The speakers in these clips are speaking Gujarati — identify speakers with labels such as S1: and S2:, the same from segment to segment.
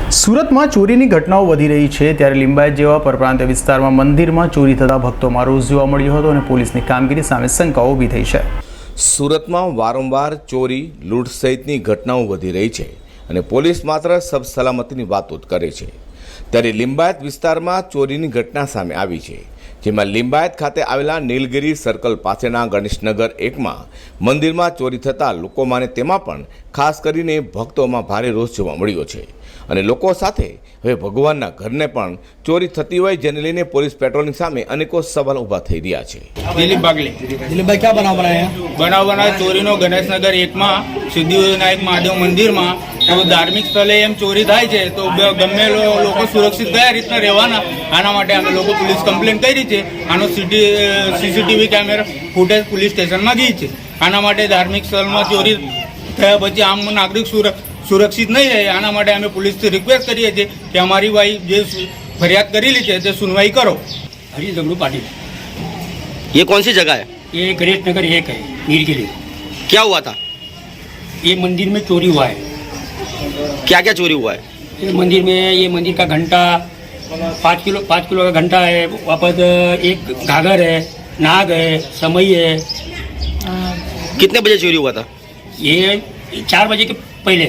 S1: સુરતમાં ચોરીની ઘટનાઓ વધી રહી છે ત્યારે લિંબાયત જેવા પરપ્રાંતીય વિસ્તારમાં મંદિરમાં ચોરી થતા ભક્તોમાં રોષ જોવા મળ્યો હતો અને પોલીસની કામગીરી સામે શંકાઓ ઊભી થઈ છે।
S2: સુરતમાં વારંવાર ચોરી લૂંટ સહિતની ઘટનાઓ વધી રહી છે અને પોલીસ માત્ર સબ સલામતીની વાતો જ કરે છે ત્યારે લિંબાયત વિસ્તારમાં ચોરીની ઘટના સામે આવી છે, જેમાં લિંબાયત ખાતે આવેલા નીલગિરી સર્કલ પાસેના ગણેશનગર 1માં મંદિરમાં ચોરી થતાં લોકોમાં તેમાં પણ ખાસ કરીને ભક્તોમાં ભારે રોષ જોવા મળ્યો છે અને લોકો સાથે હવે ભગવાનના ઘરને પણ ચોરી થતી હોય જેને લઈને પોલીસ પેટ્રોલિંગ સામે અનેકો સવાલ ઊભા થઈ રહ્યા છે।
S3: દિલીપ બાગલે।
S4: દિલીપભાઈ ક્યાં
S3: બનાવ ચોરીનો ગણેશનગર 1માં સિદ્ધિવિનાયક મહાદેવ મંદિરમાં ધાર્મિક સ્થળે એમ ચોરી થાય છે તો ગમે લોકો સુરક્ષિત કયા રીતના રહેવાના, આના માટે અમે લોકો પોલીસ કમ્પ્લેન કરી છે। આનો સીસીટીવી કેમેરા ફૂટેજ પોલીસ સ્ટેશનમાં ગઈ છે। આના માટે ધાર્મિક સ્થળમાં ચોરી થયા પછી આમ નાગરિક સુરક્ષિત નહીં રહે, આના માટે અમે પોલીસથી રિક્વેસ્ટ કરીએ છીએ કે અમારી ભાઈ જે ફરિયાદ કરેલી છે તે સુનवाई करो।
S4: हरी जगड़ू पाटिल।
S5: ये कौन सी जगह है?
S4: ये गणेश नगर 1 है, नीलगिरी।
S5: क्या हुआ था?
S4: ये मंदिर में चोरी हुआ है।
S5: क्या क्या चोरी हुआ है?
S4: ये मंदिर का घंटा 5 किलो का घंटा है, वापस एक घाघर है, नाग है, समई है।
S5: कितने बजे चोरी हुआ था?
S4: ये 4 बजे के पहले।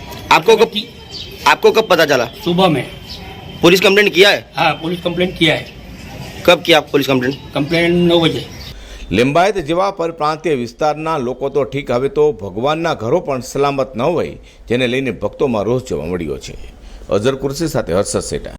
S5: आपको कब पता चला?
S4: सुबह में।
S5: पुलिस कंप्लेंट किया है?
S4: हाँ, पुलिस कंप्लेंट किया है।
S5: कब किया पुलिस कंप्लेंट?
S4: कंप्लेंट 9 बजे।
S2: લિંબાયત જેવા પરપ્રાંતીય વિસ્તારના લોકો તો ઠીક, હવે તો ભગવાનના ઘરો પણ સલામત ન હોય જેને લઈને ભક્તોમાં રોષ જોવા મળ્યો છે। અઝર કુર્સી સાથે હર્ષદ સેટા।